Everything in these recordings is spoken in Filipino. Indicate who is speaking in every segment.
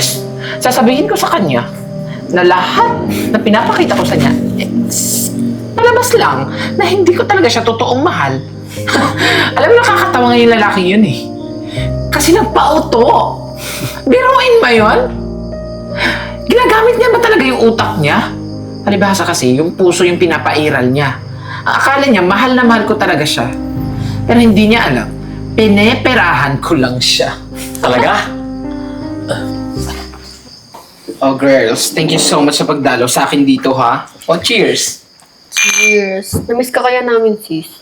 Speaker 1: Yes, sasabihin ko sa kanya na lahat na pinapakita ko sa niya, palabas lang na hindi ko talaga siya totoong mahal. Alam mo, nakakatawa nga yung lalaki yun eh. Kasi nagpauto. Biruin ba yun? Ginagamit niya ba talaga yung utak niya? Palibhasa kasi, yung puso yung pinapairal niya. Ang akala niya, mahal na mahal ko talaga siya. Pero hindi niya alam, pineperahan ko lang siya.
Speaker 2: Talaga?
Speaker 1: Oh girls, thank you so much sa pagdalo sa akin dito ha. Oh, cheers!
Speaker 3: Cheers. Namiss ka kaya namin, sis?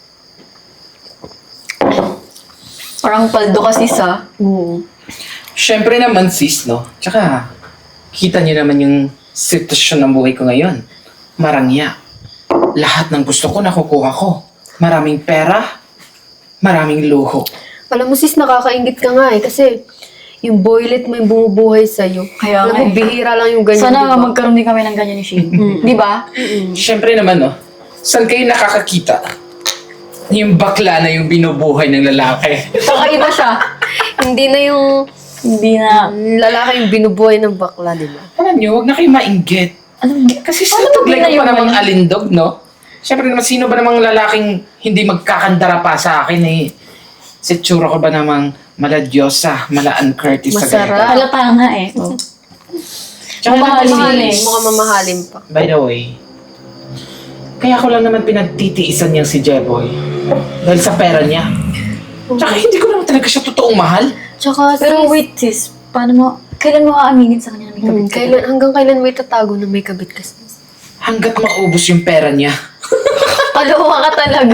Speaker 4: Parang paldo ka, sis, ha?
Speaker 1: Siyempre naman sis, no? Tsaka, kita niyo naman yung sitwasyon ng buhay ko ngayon. Marangya. Lahat ng gusto ko nakukuha ko. Maraming pera, maraming luho.
Speaker 3: Alam mo, sis, nakakaingit ka nga eh. Kasi yung boylet mo yung bumubuhay sa'yo.
Speaker 4: Kaya
Speaker 3: Alam
Speaker 4: nga
Speaker 3: mo,
Speaker 4: eh.
Speaker 3: bihira lang yung ganyan,
Speaker 4: Sana
Speaker 3: di ba?
Speaker 4: magkaroon din kami ng ganyan ni Shane. Di ba?
Speaker 1: Siyempre naman, no? Saan kayo nakakakita? Yung bakla na yung binubuhay ng lalaki.
Speaker 4: Kakaiba siya.
Speaker 3: Hindi na yung
Speaker 4: Hindi na.
Speaker 3: lalaki yung binubuhay ng bakla, di ba?
Speaker 1: Alam niyo, huwag na kayo mainggit.
Speaker 4: Ano?
Speaker 1: Kasi sa
Speaker 4: Ano
Speaker 1: tuglay
Speaker 4: ba
Speaker 1: ko
Speaker 4: yun
Speaker 1: pa namang
Speaker 4: ngayon?
Speaker 1: alindog, no? Siyempre naman, sino ba namang lalaking hindi magkakandara pa sa akin eh? Si tsura ko ba namang mala Diyosa, mala Ann Curtis sa
Speaker 3: Masarap.
Speaker 1: ganito?
Speaker 4: Halata nga eh. Oh.
Speaker 1: Tsaka
Speaker 4: Mamahalin
Speaker 1: naman,
Speaker 4: eh.
Speaker 1: sis,
Speaker 3: Mukhang mamahalin pa.
Speaker 1: by the way, kaya ko lang naman pinagtitiisan niyang si Jeboy. Dahil sa pera niya. Tsaka hindi ko naman talaga siya totoong mahal.
Speaker 3: Tsaka,
Speaker 4: Pero
Speaker 3: sis,
Speaker 4: wait, sis. Paano mo, kailan mo aaminin sa kanya na may kabit ka?
Speaker 3: hanggang kailan mo itatago na may kabit ka, sis?
Speaker 1: Hanggat maubos yung pera niya.
Speaker 4: Kaloka ka talaga.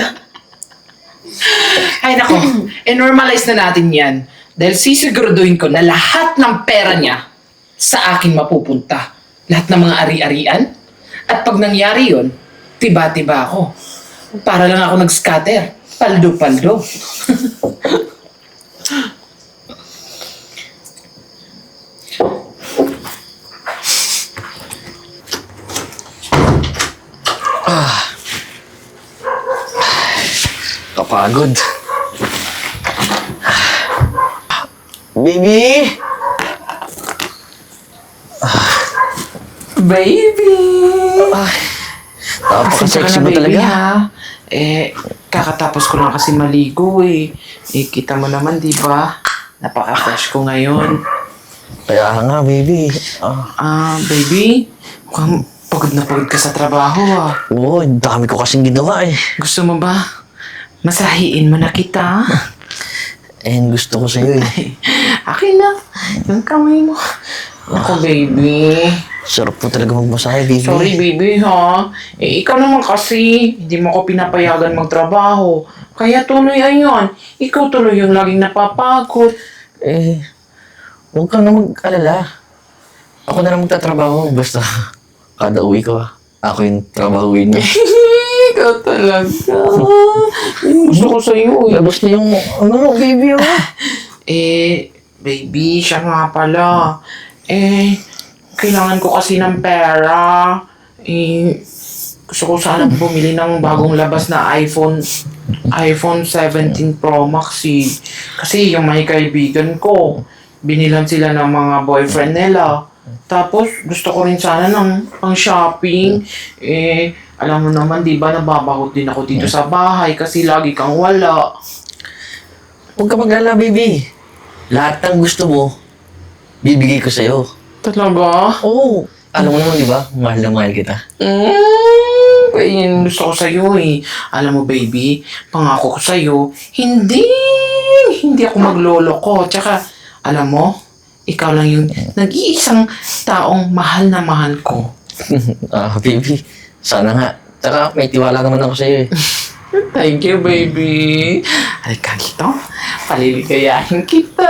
Speaker 1: Ay nako, normalize na natin yan. Dahil sisiguraduhin ko na lahat ng pera niya sa akin mapupunta. Lahat ng mga ari-arian. At pag nangyari yun, tiba-tiba ako. Para lang ako nag-scatter. Paldo-paldo.
Speaker 2: Kapagod. Baby!
Speaker 1: Baby!
Speaker 2: Napaka-sexy mo talaga.
Speaker 1: ha? Kakatapos ko lang kasi maligo eh. Kita mo naman, di ba? Napaka-fresh ko ngayon.
Speaker 2: Kaya nga, baby.
Speaker 1: Baby, mukhang pagod na pagod ka sa trabaho ah.
Speaker 2: Oo, ang dami ko kasing ginawa eh.
Speaker 1: Gusto mo ba? Masahiin mo na kita.
Speaker 2: And gusto ko sa'yo eh.
Speaker 1: Akin na. Yung kamay mo. Ako, baby.
Speaker 2: Sarap po talaga magmasahe, baby.
Speaker 1: Sorry, baby, ha? Ikaw naman kasi. Hindi mo ko pinapayagan magtrabaho. Kaya tuloy ayon. Ikaw tuloy yung laging napapagod.
Speaker 2: Huwag kang na mag-alala. Ako na lang magtatrabaho. Basta, kada uwi ko, ako yung trabahuin mo.
Speaker 1: Ikaw talaga. Yung gusto ko sa'yo, eh.
Speaker 2: Labas na yung, baby,
Speaker 1: Baby, siya nga pala. Kailangan ko kasi ng pera. Gusto ko sana bumili ng bagong labas na iPhone 17 Pro Max eh. Kasi yung may kaibigan ko, binilan sila ng mga boyfriend nila. Tapos, gusto ko rin sana ng pang-shopping. Alam mo naman, di ba, nababahot din ako dito sa bahay kasi lagi kang wala.
Speaker 2: Huwag ka mag-alala, baby. Lahat ng gusto mo, bibigay ko sa'yo.
Speaker 1: Talaga?
Speaker 2: Oo. Alam mo naman, di ba? Mahal na mahal kita.
Speaker 1: Kaya yun gusto ko sa'yo eh. Alam mo, baby, pangako ko sa'yo, hindi ako magloloko. Tsaka, alam mo, ikaw lang yung nag-iisang taong mahal na mahal ko.
Speaker 2: Baby. Sana nga. Tsaka may tiwala naman ako sa'yo eh.
Speaker 1: Thank you, baby. Halika dito. Paliligayahin kita.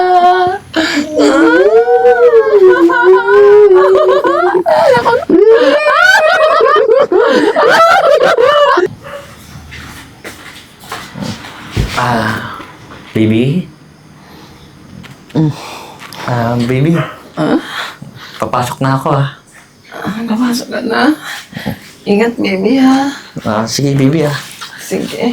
Speaker 2: Baby? Baby? Papasok na ako
Speaker 1: Papasok ka na. Ingat, baby, ha?
Speaker 2: Sige, baby
Speaker 1: Sige.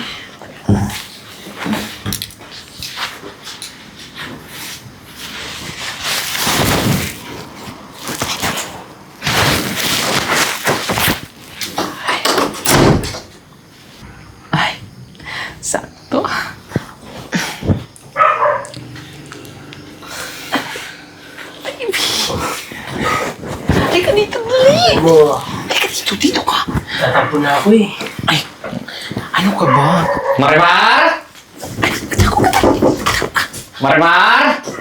Speaker 1: baby. Halika dito, dali.
Speaker 5: Mo,
Speaker 1: Halika dito, dito ka.
Speaker 5: tatampo na ako eh.
Speaker 1: Ay, ano ka ba?
Speaker 2: Marimar! Marimar!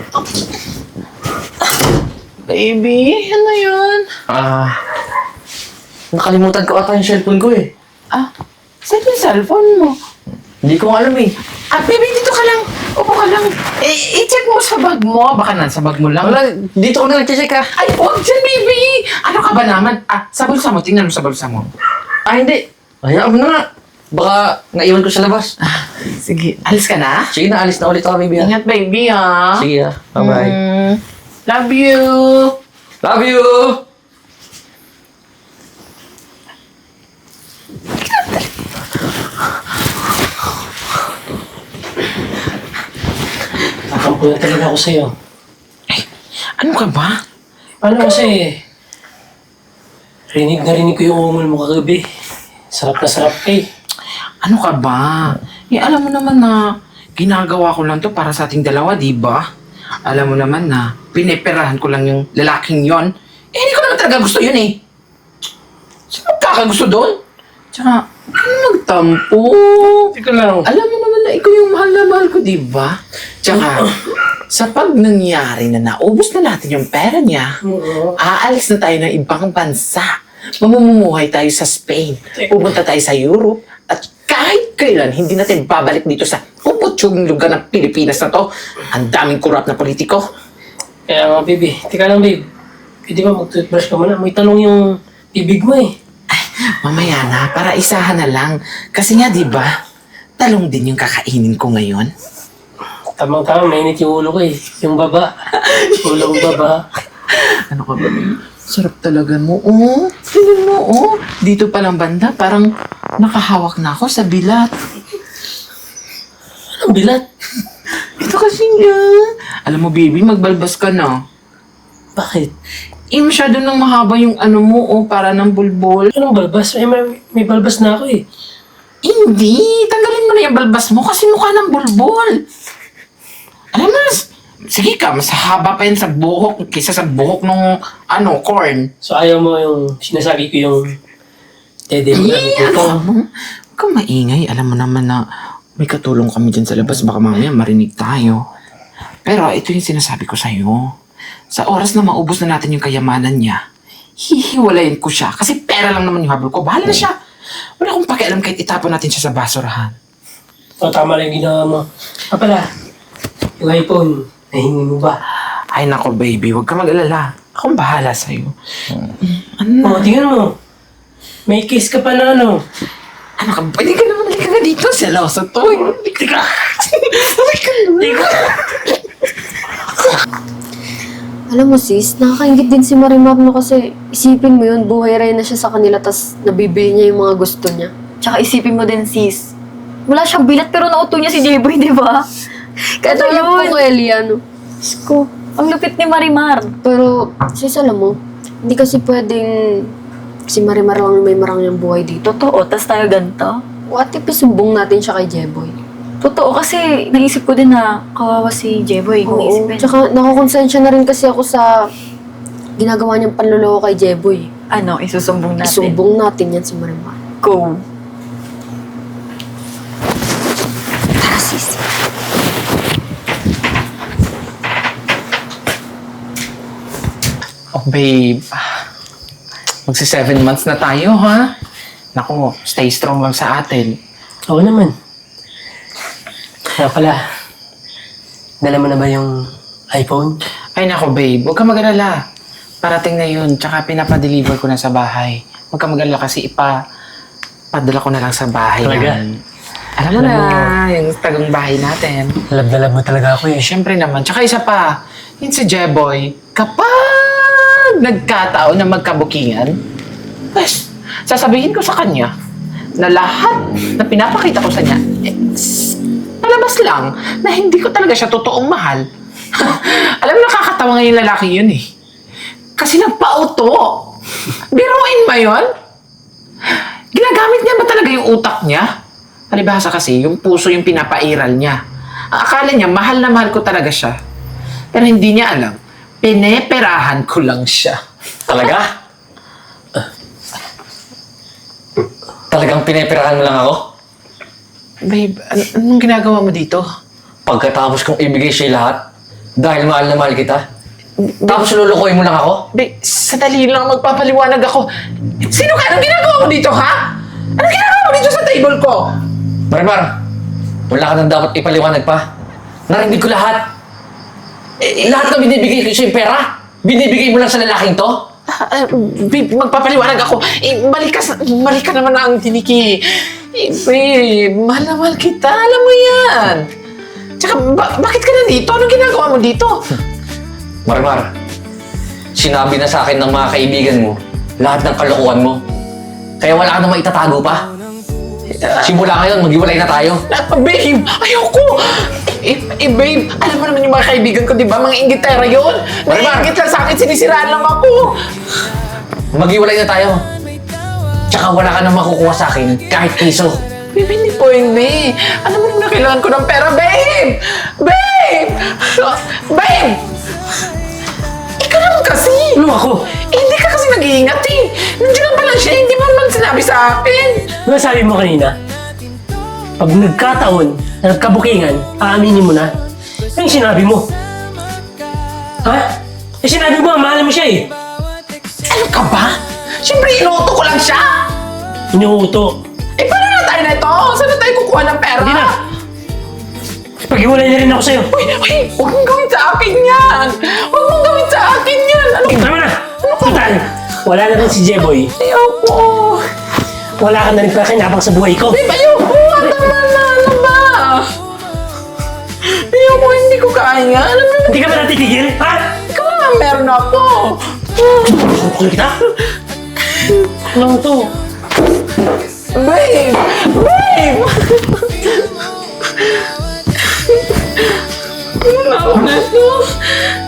Speaker 1: Baby, ano yun?
Speaker 2: Nakalimutan ko ata yung cellphone ko eh.
Speaker 1: Ah, saan yung cellphone mo?
Speaker 2: Hindi ko alam eh.
Speaker 1: Ah, baby, dito ka lang. Upo ka lang. I-check mo sa bag mo. Baka nasa bag mo lang.
Speaker 2: Wala, dito ko na nag-check ah.
Speaker 1: Ay, huwag dyan, baby! Ano ka ba naman? Ah, sa bulsa mo. Tingnan mo sa bulsa mo.
Speaker 2: Ah, hindi. Hayaan mo na nga. Baka naiwan ko sa labas.
Speaker 1: Sige, alis ka na?
Speaker 2: Sige na, alis na ulit ako, baby ah.
Speaker 1: Ingat, baby, ha?
Speaker 2: Sige ah. Bye-bye.
Speaker 1: Love you!
Speaker 2: Love you!
Speaker 5: Tatampo na talaga ako sa'yo.
Speaker 1: Ano ka ba?
Speaker 5: Paano kasi, rinig na rinig ko yung umul mo kagabi. Sarap na sarap eh.
Speaker 1: Ano ka ba? Eh, alam mo naman na ginagawa ko lang to para sa ating dalawa, di ba? Alam mo naman na pineperahan ko lang yung lalaking yon. Eh, hindi ko naman talaga gusto yun eh. Sino magkakagusto doon? Tsaka, ano magtampo?
Speaker 5: Teka lang.
Speaker 1: Alam mo naman na ikaw yung mahal na mahal ko, di ba? Tsaka, sa pag nangyari na naubos na natin yung pera niya, aalis na tayo ng ibang bansa. Mamumuhay tayo sa Spain. Pupunta tayo sa Europe. At kahit kailan, hindi natin babalik dito sa puputsyong lugar ng Pilipinas na to. Ang daming korap na politiko.
Speaker 5: Kaya nga, baby. Teka lang, babe. Pwede ba mag-toothbrush ka muna? May talong yung bibig mo eh.
Speaker 1: Mamaya na, para isahan na lang. Kasi nga, di ba, talong din yung kakainin ko ngayon.
Speaker 5: Tamang-tamang, mainit yung ulo ko eh. Yung baba. Ulo kong baba.
Speaker 1: Ano ka ba? Sarap talaga mo. Oh, tingnan mo, oh. Dito palang banda, parang nakahawak na ako sa bilat.
Speaker 5: Anong bilat?
Speaker 1: Ito kasi nga. Alam mo, baby, magbalbas ka na.
Speaker 5: Bakit?
Speaker 1: Eh, masyado nang mahaba yung ano mo, oh, para ng bulbol.
Speaker 5: Anong balbas? Eh, may balbas na ako eh.
Speaker 1: Hindi, tanggalin mo na yung balbas mo kasi mukha ng bulbol. Alam mo, sige ka, mas haba pa yan sa buhok kaysa sa buhok nung, corn.
Speaker 5: So ayaw mo yung sinasabi ko yung dede mo na dito.
Speaker 1: Alam mo, huwag kang maingay. Alam mo naman na may katulong kami dyan sa labas. Baka mamaya marinig tayo. Pero ito yung sinasabi ko sa'yo. Sa oras na maubos na natin yung kayamanan niya, hihiwalayin ko siya. Kasi pera lang naman yung habol ko. Bahala na siya. Wala akong pakialam kahit itapon natin siya sa basurahan.
Speaker 5: O, tama lang yung ginawa mo. Pala, yung iPhone, nahingi mo ba?
Speaker 1: Ay nako baby, huwag ka mag-alala. Akong bahala sa'yo. Ano na?
Speaker 5: O, tingnan mo. May kiss ka pa na ano.
Speaker 1: Ano ka? Pwede ka naman halika ka dito. Seloso to. Halika ka. Halika na.
Speaker 3: Alam mo sis, nakakaingit din si Marimar no kasi isipin mo yun, buhay rin na siya sa kanila tas nabibili niya yung mga gusto niya.
Speaker 4: Tsaka isipin mo din, sis. Wala siyang bilat pero nauto niya si Jeboy, di ba?
Speaker 3: Kaya tulad po ko, Eliano.
Speaker 4: Diyos ko, ang lupit ni Marimar.
Speaker 3: Pero, sis, alam mo, hindi kasi pwedeng si Marimar lang may marang yung buhay dito.
Speaker 4: Totoo, tas tayo ganito.
Speaker 3: What if isumbong natin siya kay Jeboy?
Speaker 4: Totoo, kasi naisip ko din na kawawa si Jeboy kung
Speaker 3: Oo.
Speaker 4: isipin.
Speaker 3: Tsaka nakakonsensya na rin kasi ako sa ginagawa niyang panloloko kay Jeboy.
Speaker 4: Ano, isusumbong natin.
Speaker 3: Isumbong natin yan si Marimar.
Speaker 4: Go.
Speaker 3: Tara, sis.
Speaker 1: Oh babe. Magsi 7 months na tayo, ha? Naku, stay strong lang sa atin.
Speaker 5: Oo naman. Kaya pala, dala mo na ba yung iPhone?
Speaker 1: Ay nako babe, huwag ka mag-alala. Parating na yun, tsaka pinapadeliver ko na sa bahay. Huwag ka mag-alala kasi padala ko na lang sa bahay.
Speaker 5: Talaga?
Speaker 1: yan. Alam mo na, yung tagong bahay natin.
Speaker 5: Love na love mo talaga ako eh.
Speaker 1: Siyempre naman. Tsaka isa pa, yun si Jeboy, kapag nagkataon na magkabukingan, pues, sasabihin ko sa kanya na lahat na pinapakita ko sa niya, palabas lang na hindi ko talaga siya totoong mahal. Alam mo, nakakatawa nga yung lalaki yun eh. Kasi nagpa-auto. Biruin ba yun? Ginagamit niya ba talaga yung utak niya? Palibhasa kasi, yung puso yung pinapairal niya. Ang akala niya, mahal na mahal ko talaga siya. Pero hindi niya alam, Pineperahan ko lang siya.
Speaker 2: Talaga? Talagang pineperahan mo lang ako?
Speaker 1: Babe, anong ginagawa mo dito?
Speaker 2: Pagkatapos kong ibigay sa'yo lahat, dahil mahal na mahal kita, tapos lulukoy mo lang ako?
Speaker 1: Babe, sandali lang magpapaliwanag ako. Sino ka? Anong ginagawa mo dito, ha? Anong ginagawa mo dito sa table ko?
Speaker 2: Marimar, wala ka nang dapat ipaliwanag pa. Narinig ko lahat. Lahat na binibigay ko sa'yo pera, binibigay mo lang sa lalaking to?
Speaker 1: Babe, magpapaliwanag ako. Balik ka naman ang tiniki. Babe, mahal na mahal kita. Alam mo yan. Tsaka, bakit ka nandito? Anong ginagawa mo dito?
Speaker 2: Marimar, sinabi na sa akin ng mga kaibigan mo lahat ng kalokohan mo. Kaya wala ka na maitatago pa. Simula ngayon, maghiwalay na tayo.
Speaker 1: Babe, ayoko! Babe, alam mo naman yung mga kaibigan ko, di ba? Mga inggitera yun. Naiingit lang sa akin, sinisiraan lang ako.
Speaker 2: Maghiwalay na tayo. Tsaka wala ka nang makukuha sa akin kahit piso.
Speaker 1: Babe, hindi pwede. Alam mo naman na kailangan ko ng pera, babe! Babe! Babe! Ikaw naman kasi!
Speaker 5: Ano ako?
Speaker 1: Hindi ka kasi nag-iingat eh. Nandiyan lang pala siya, hindi mo naman sinabi sa akin.
Speaker 5: Ano sabi mo kanina? Pag nagkataon na nagkabukingan, aaminin mo na. Ano yung sinabi mo? Ha? Eh sinabi mo, mahal mo siya eh.
Speaker 1: Ano ka ba? Siyempre, inuuto ko lang siya.
Speaker 5: Inuuto.
Speaker 1: Eh, paano na tayo na ito? Saan na tayo kukuha ng pera?
Speaker 5: Hindi na. Pag-iwalay na rin ako sa'yo.
Speaker 1: Uy, huwag mong gawin sa akin yan! Huwag mong gawin sa akin yan! Ano?
Speaker 5: Tama na! Total, wala na rin si Jeboy.
Speaker 1: Ayoko!
Speaker 5: Wala ka na rin pakinabang sa buhay ko.
Speaker 1: Babe, ayoko! Tama na! Ano ba? Ayoko, hindi ko kaya. Alam mo,
Speaker 5: Hindi ka ba natitigil? Ha?
Speaker 1: ikaw nga meron ako.
Speaker 5: Sukul kita? Ano to?
Speaker 1: Babe! Babe! Ano na to?